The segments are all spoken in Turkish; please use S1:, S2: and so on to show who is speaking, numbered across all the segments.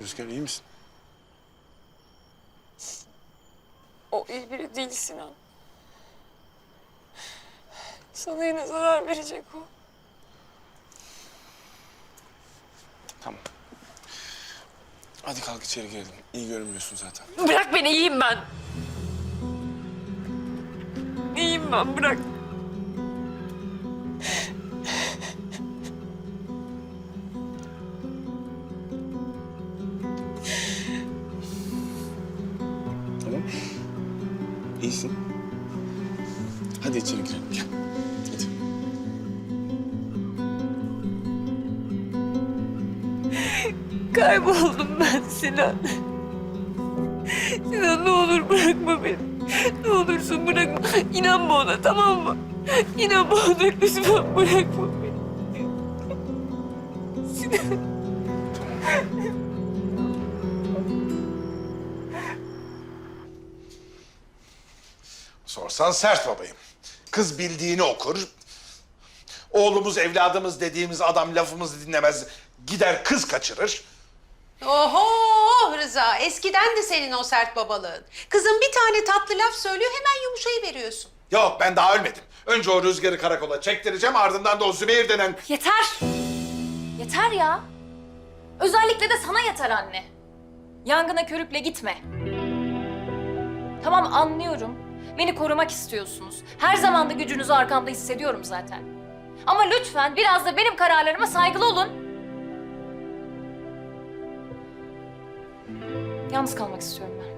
S1: Rüzgar iyi misin?
S2: O iyi biri değil Sinan. Sana yine zarar verecek o.
S1: Tamam. Hadi kalk içeri girelim. İyi görünmüyorsun zaten.
S2: Bırak beni, iyiyim ben. İyiyim ben, bırak.
S1: Tamam. İyisin. Hadi içeri girelim. Gel. Hadi.
S2: Kayboldum ben Sinan. Sinan ne olur bırakma beni. Ne olursun bırakma. İnanma ona, tamam mı? İnanma ona, lütfen bırakma beni. Sinan.
S3: Sorsan sert babayım. Kız bildiğini okur. Oğlumuz, evladımız dediğimiz adam lafımızı dinlemez. Gider kız kaçırır.
S4: Oho Rıza, eskiden de senin o sert babalığın. Kızın bir tane tatlı laf söylüyor, hemen yumuşayıveriyorsun.
S3: Yok ben daha ölmedim. Önce o Rüzgar'ı karakola çektireceğim, ardından da o Zübeyir denen...
S5: Yeter! Yeter ya! Özellikle de sana yeter anne. Yangına körükle gitme. Tamam anlıyorum. Beni korumak istiyorsunuz. Her zaman da gücünüzü arkamda hissediyorum zaten. Ama lütfen biraz da benim kararlarıma saygılı olun. Yalnız kalmak istiyorum ben.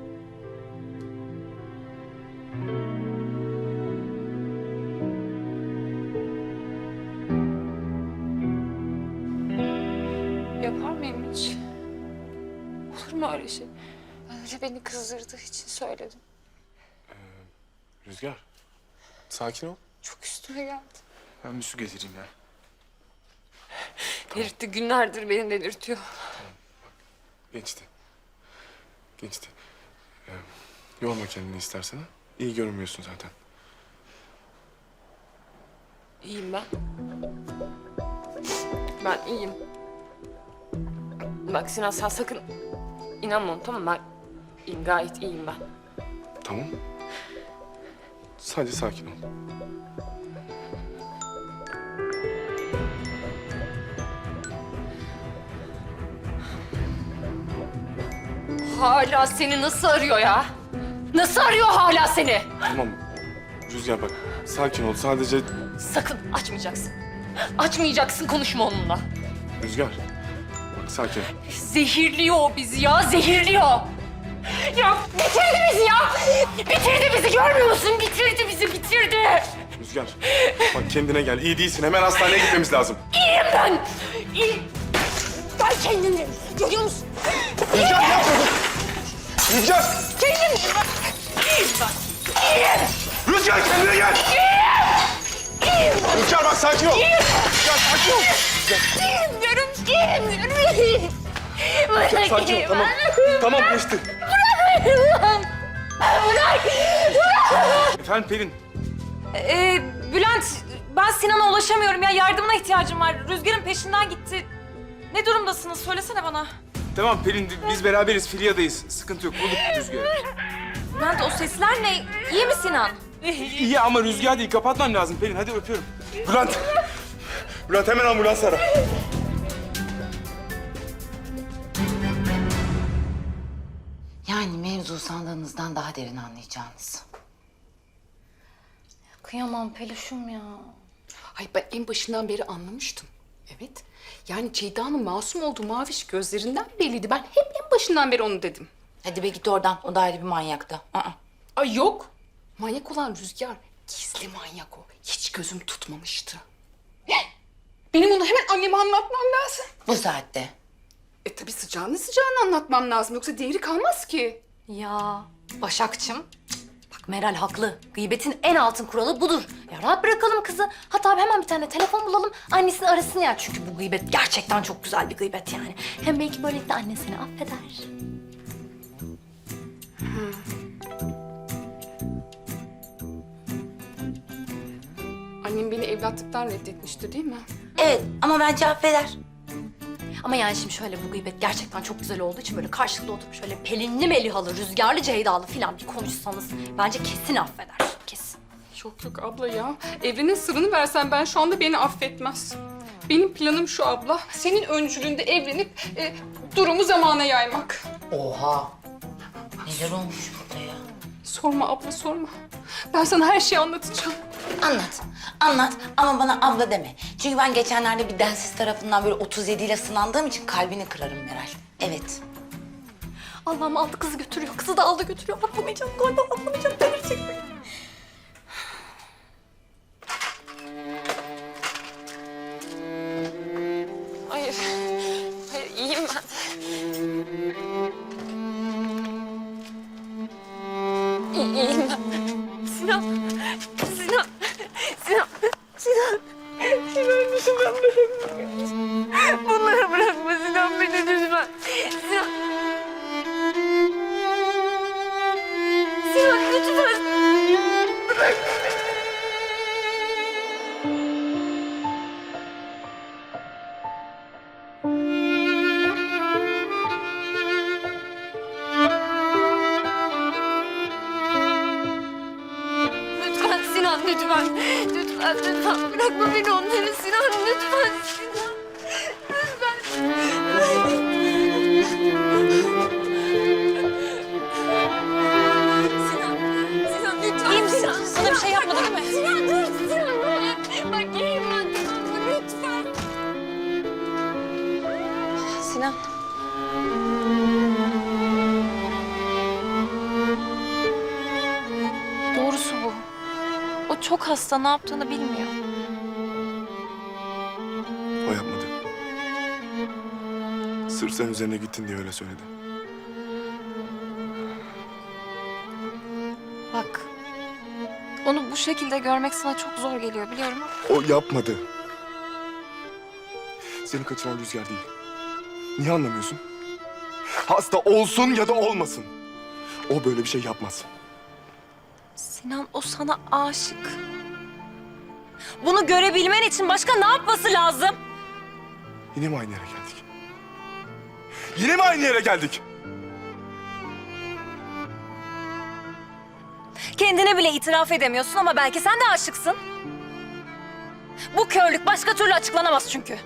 S2: Yapar mıyım hiç? Olur mu öyle şey? Öyle beni kızdırdığı için söyledim.
S1: Rüzgar. Sakin ol.
S2: Çok üstüme geldi.
S1: Ben bir su getireyim ya.
S2: Delirtti, günlerdir beni delirtiyor.
S1: Geçti. Geçti. Yorma kendini istersen. Ha? İyi görünmüyorsun zaten.
S2: İyiyim ben. Ben iyiyim. Bak Sinan, sen sakın inanma ona, tamam mı? Ben iyiyim, gayet iyiyim ben.
S1: Tamam. Sadece sakin ol.
S5: Hala seni nasıl arıyor ya? Nasıl arıyor hala seni?
S1: Tamam. Rüzgar bak. Sakin ol. Sadece
S5: Sakın açmayacaksın. Açmayacaksın, konuşma onunla.
S1: Rüzgar. Bak sakin ol.
S5: Zehirliyor o bizi ya, zehirliyor. Ya bitirdi bizi ya! Bitirdi bizi, görmüyor musun? Bitirdi bizi, bitirdi.
S1: Rüzgar. Bak kendine gel. İyi değilsin. Hemen hastaneye gitmemiz lazım.
S5: İyiyim ben. İyiyim. Ben kendimim. Görüyor musun?
S3: Rüzgar yapma! Rüzgar!
S5: Kendimim ben. İyiyim ben. İyiyim.
S3: Rüzgar kendine gel!
S5: İyiyim ben.
S3: Rüzgar bak sakin ol! Rüzgar sakin ol!
S5: İyiyim diyorum. İyiyim diyorum. İyiyim. Bırak
S1: Sakin ol. Tamam. Tamam geçti.
S5: Bırak.
S1: Efendim Pelin.
S5: Bülent, ben Sinan'a ulaşamıyorum ya. Yardımına ihtiyacım var. Rüzgar'ın peşinden gitti. Ne durumdasınız? Söylesene bana.
S1: Tamam Pelin. Biz beraberiz. Filyadayız. Sıkıntı yok. Bulduk Rüzgar'ı.
S5: Bülent, o sesler ne? İyi mi Sinan?
S1: İyi ama Rüzgar değil. Kapatmam lazım Pelin. Hadi öpüyorum. Bülent. Bülent hemen ambulans ara.
S6: Yani mevzu sandığınızdan daha derin anlayacağınız.
S5: Kıyamam Peluş'um ya.
S7: Ay ben en başından beri anlamıştım. Evet. Yani Ceyda'nın masum olduğu maviş gözlerinden belliydi. Ben hep en başından beri onu dedim.
S6: Hadi be git oradan. O da ayrı bir manyaktı.
S7: Ay yok. Manyak olan Rüzgar. Gizli manyak o. Hiç gözüm tutmamıştı. Benim onu hemen anneme anlatmam lazım.
S6: Bu saatte.
S7: Tabii sıcağını anlatmam lazım. Yoksa değeri kalmaz ki.
S5: Ya Başakçım. Bak Meral haklı. Gıybetin en altın kuralı budur. Ya rahat bırakalım kızı. Hatta hemen bir tane telefon bulalım. Annesini arasın ya. Çünkü bu gıybet gerçekten çok güzel bir gıybet yani. Hem belki böylelikle anne seni affeder.
S7: Annem beni evlatlıktan reddetmişti değil mi?
S6: Evet ama bence affeder.
S5: Ama yani şimdi şöyle bu gıybet gerçekten çok güzel olduğu için böyle karşılıklı oturup şöyle Pelinli Melihalı, Rüzgarlı Ceydalı falan bir konuşsanız bence kesin affeder. Kesin.
S7: Yok yok abla ya. Evrenin sırrını versen ben şu anda beni affetmez. Benim planım şu abla. Senin öncülüğünde evlenip durumu zamana yaymak.
S6: Oha. Neler olmuş burada ya?
S7: Sorma abla sorma. Ben sana her şeyi anlatacağım.
S6: Anlat. Anlat ama bana abla deme. Çünkü ben geçenlerde bir densiz tarafından böyle 37 ile sınandığım için kalbini kırarım Meral. Evet.
S5: Allah'ım aldı kızı götürüyor. Kızı da aldı götürüyor. Atlamayacağım galiba atlamayacağım. Delirecek beni.
S2: Hayır. Hayır iyiyim ben. İyiyim ben. Sinan. Sinan. Sinan. Sinan. Sinan lütfen bırakma. Bunları bırakma Sinan beni lütfen. Sinan. Sinan lütfen. Bırak. Lütfen Sinan lütfen. Lütfen lütfen bırakma beni onları Sinan lütfen Sinan. Lütfen. Sinan. Sinan lütfen. İyi misin? Sana bir şey yapmadı değil mi? Sinan dur Sinan bırak. Bak iyiyim ben tamam mı? Lütfen. Sinan. Doğrusu bu. O çok hasta, ne yaptığını bilmiyor.
S1: O yapmadı. Sırf sen üzerine gittin diye öyle söyledi.
S2: Bak, onu bu şekilde görmek sana çok zor geliyor biliyorum ama...
S1: O yapmadı. Seni kaçıran Rüzgar değil. Niye anlamıyorsun? Hasta olsun ya da olmasın. O böyle bir şey yapmaz.
S2: Sinan, o sana aşık. Bunu görebilmen için başka ne yapması lazım?
S1: Yine mi aynı yere geldik? Yine mi aynı yere geldik?
S2: Kendine bile itiraf edemiyorsun ama belki sen de aşıksın. Bu körlük başka türlü açıklanamaz çünkü.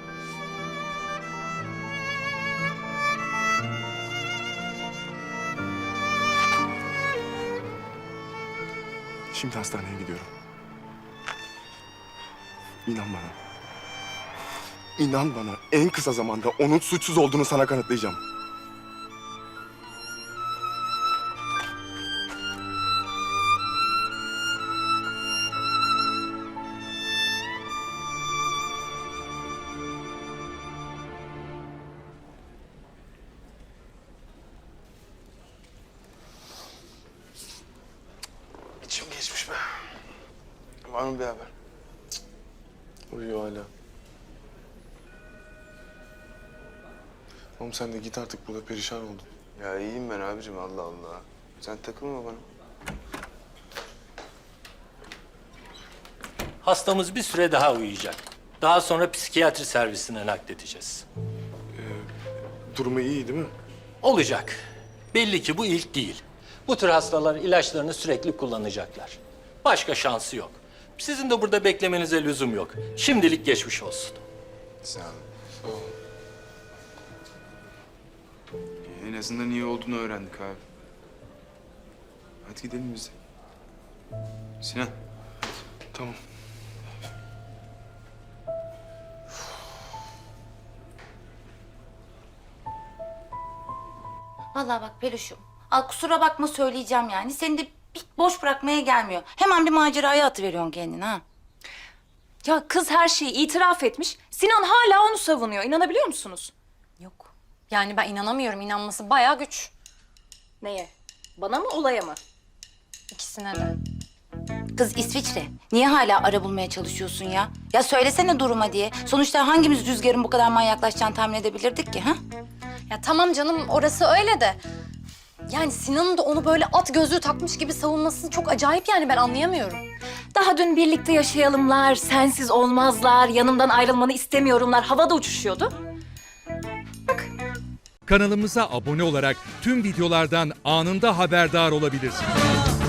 S1: Şimdi hastaneye gidiyorum. İnan bana. İnan bana en kısa zamanda onun suçsuz olduğunu sana kanıtlayacağım.
S3: İçim geçmiş be.
S1: Var mı bir haber? Uyuyor hala. Oğlum sen de git artık, burada perişan oldun.
S8: Ya iyiyim ben abicim, Allah Allah. Sen takılma bana.
S9: Hastamız bir süre daha uyuyacak. Daha sonra psikiyatri servisine nakledeceğiz.
S1: Durumu iyi değil mi?
S9: Olacak. Belli ki bu ilk değil. Bu tür hastalar ilaçlarını sürekli kullanacaklar. Başka şansı yok. Sizin de burada beklemenize lüzum yok. Şimdilik geçmiş olsun.
S8: Sağ ol. En azından iyi olduğunu öğrendik abi. Hadi gidelim biz de. Sinan.
S1: Tamam.
S6: Vallahi bak Peluş'um. Al kusura bakma söyleyeceğim yani. Seni de bir boş bırakmaya gelmiyor. Hemen bir maceraya atıveriyorsun kendini ha.
S2: Ya kız her şeyi itiraf etmiş. Sinan hala onu savunuyor. İnanabiliyor musunuz?
S5: Yok. Yani ben inanamıyorum. İnanması bayağı güç.
S2: Neye? Bana mı olaya mı?
S5: İkisine de.
S6: Kız İsviçre. Niye hala ara bulmaya çalışıyorsun ya? Ya söylesene duruma diye. Sonuçta hangimiz Rüzgar'ın bu kadar manyaklaşacağını tahmin edebilirdik ki ha?
S5: Ya tamam canım orası öyle de. Yani Sinan'ın da onu böyle at gözlüğü takmış gibi savunması çok acayip yani ben anlayamıyorum.
S2: Daha dün birlikte yaşayalımlar, sensiz olmazlar, yanımdan ayrılmanı istemiyorumlar havada uçuşuyordu.
S10: Kanalımıza abone olarak tüm videolardan anında haberdar olabilirsiniz.